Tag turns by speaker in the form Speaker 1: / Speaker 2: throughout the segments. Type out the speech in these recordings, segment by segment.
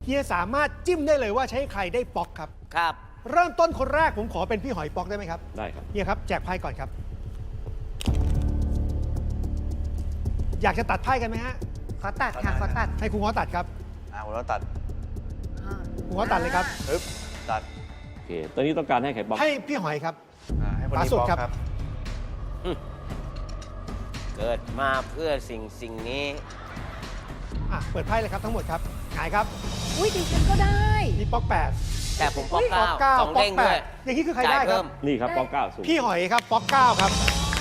Speaker 1: ฮียสามารถจิ้มได้เลยว่าใช้ใครได้ป๊อกครับ
Speaker 2: ครับ
Speaker 1: เริ่มต้นคนแรกผมขอเป็นพี่หอยป๊อกได้ไหมครับ
Speaker 3: ได้ครับ
Speaker 1: เฮียครับแจกไพ่ก่อนครับ อยากจะตัดไพ่กันไหมฮะ
Speaker 4: ขอตัดค่ะขอตัด
Speaker 1: ให้ครูง้อตัดครับ
Speaker 5: ผมต้องตัด
Speaker 1: ครูง้อตัดเลยครับ
Speaker 5: ปึ๊บตัด
Speaker 3: โอเค ตอนนี้ต้องการให้ใครบล็อก
Speaker 1: ให้พี่หอยครับ
Speaker 5: ให้คน
Speaker 1: ขวา
Speaker 5: นี้
Speaker 1: สุด
Speaker 5: บล็อก
Speaker 1: ครับ
Speaker 5: ครับ
Speaker 2: เกิดมาเพื่อสิ่งนี้
Speaker 1: เปิดไพ่เลยครับทั้งหมดครับหงายครับ
Speaker 4: อุ้ยดิฉันก็ได้
Speaker 1: นี่ป๊อกแปด
Speaker 2: แต่ผมป๊อก
Speaker 1: ป๊อก
Speaker 2: เก้า
Speaker 1: เก้า
Speaker 2: สอง
Speaker 1: ป๊อ
Speaker 2: เด้
Speaker 1: ก
Speaker 2: ง
Speaker 1: แป
Speaker 2: ด้วย
Speaker 1: ดอย่างนี้คือใคร
Speaker 2: จ่า
Speaker 1: ได้
Speaker 2: ย
Speaker 1: ค
Speaker 2: เพิ่
Speaker 1: รับ
Speaker 2: ม
Speaker 3: นี่ครับป๊อกเก้าสูง
Speaker 1: พี่หอยครับป๊อกเก้าครับ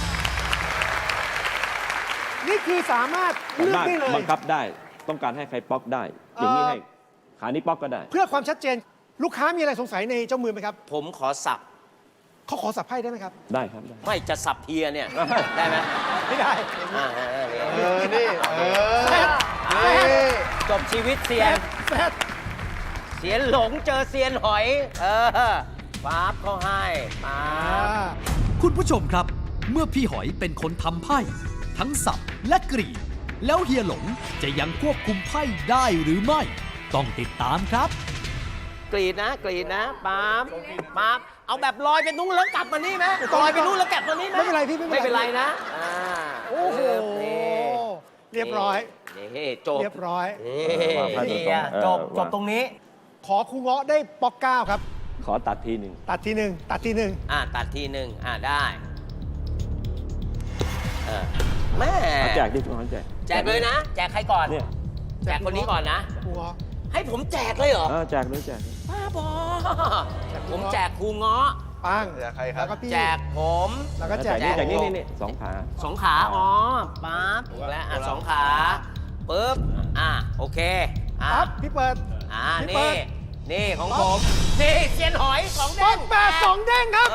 Speaker 1: นี่คือสามารถ
Speaker 3: สา
Speaker 1: เลือก
Speaker 3: มารถ
Speaker 1: ได้เลย
Speaker 3: บังคับได้ ต้องการให้ใครป๊อกได้ อย่างนี้ให้ขานี้ป๊อกก็ได้
Speaker 1: เพื่อความชัดเจน ลูกค้ามีอะไรสงสัยในเจ้ามือไหมครับ
Speaker 2: ผมขอสับ
Speaker 1: เขาขอสับไพ่ได้ไหมครับ
Speaker 3: ได้ครับได้
Speaker 2: ไม่จะสับเฮียเนี่ย ได้ไหม
Speaker 1: ไม่ได้
Speaker 2: นี่
Speaker 1: แซด
Speaker 2: จบชีวิตเซียน
Speaker 1: แซด
Speaker 2: เซียนหลงเจอเซียนหอย ป๊าบเขาให้ป๊าบ
Speaker 6: คุณผู้ชมครับ เมื่อพี่หอยเป็นคนทำไพ่ทั้งสับและกรีดแล้วเฮียหลงจะยังควบคุมไพ่ได้หรือไม่ ต้องติดตามครับ
Speaker 2: กรีดนะป๊าบป๊าบเอาแบบลอยไปนู้นแล้วกลับมานี่ไหมลอยไปนู้นแล้วกลับมานี่ไหม
Speaker 1: ไม่เป็นไรพี่
Speaker 2: ไม่เป็นไรนะ
Speaker 1: โอ้โห
Speaker 2: นี่
Speaker 1: เรียบร้อย
Speaker 2: นี่จบ
Speaker 1: เรียบร้อย
Speaker 2: นี่จบตรงนี้
Speaker 1: ขอครูเงาะได้ป๊อกเก้าครับ
Speaker 3: ขอตัดทีหนึ่ง
Speaker 1: ตัดทีหนึ่งตัดทีหนึ่ง
Speaker 2: ตัดทีหนึ่งได้แม่
Speaker 3: เอาแจกดิทุกคนแจก
Speaker 2: แจกเลยนะ แจกใครก่อน
Speaker 3: เนี่ย
Speaker 2: แจกคนนี้ก่อนนะ
Speaker 1: ครูเงาะ
Speaker 2: ให้ผมแจกเลยเหรอ
Speaker 3: แจกเลยแจกเลย
Speaker 2: บ้าบอผมแจกครูเงาะ
Speaker 1: ปัง
Speaker 5: แจกใครครับ
Speaker 1: แล้วก็พี่
Speaker 2: แจกผม
Speaker 1: แล้วก็แจก
Speaker 3: แจกนี่สองขา
Speaker 2: สองขาปั๊บถูกแล้วสองขาปึ๊บโอเค
Speaker 1: ครับพี่เปิด พี่เปิ
Speaker 2: นี่
Speaker 1: ด
Speaker 2: ของผมนี่เซียนหอยสอง
Speaker 1: ป๊
Speaker 2: เด้
Speaker 1: อง กแปดสองเด้งครับ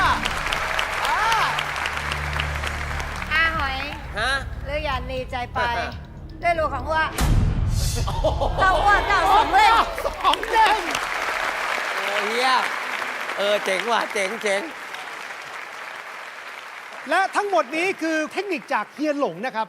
Speaker 4: อาหอย
Speaker 2: ฮะ
Speaker 4: เลือกอย่าหนีใจไป ได้รู้ของว่าเก้าว่าเก้าสองเลย
Speaker 1: สองเด้ง
Speaker 2: โอ้เฮียเจ๋งว่ะเจ๋ง
Speaker 1: และทั้งหมดนี้คือเทคนิคจากเฮียหลงนะครับ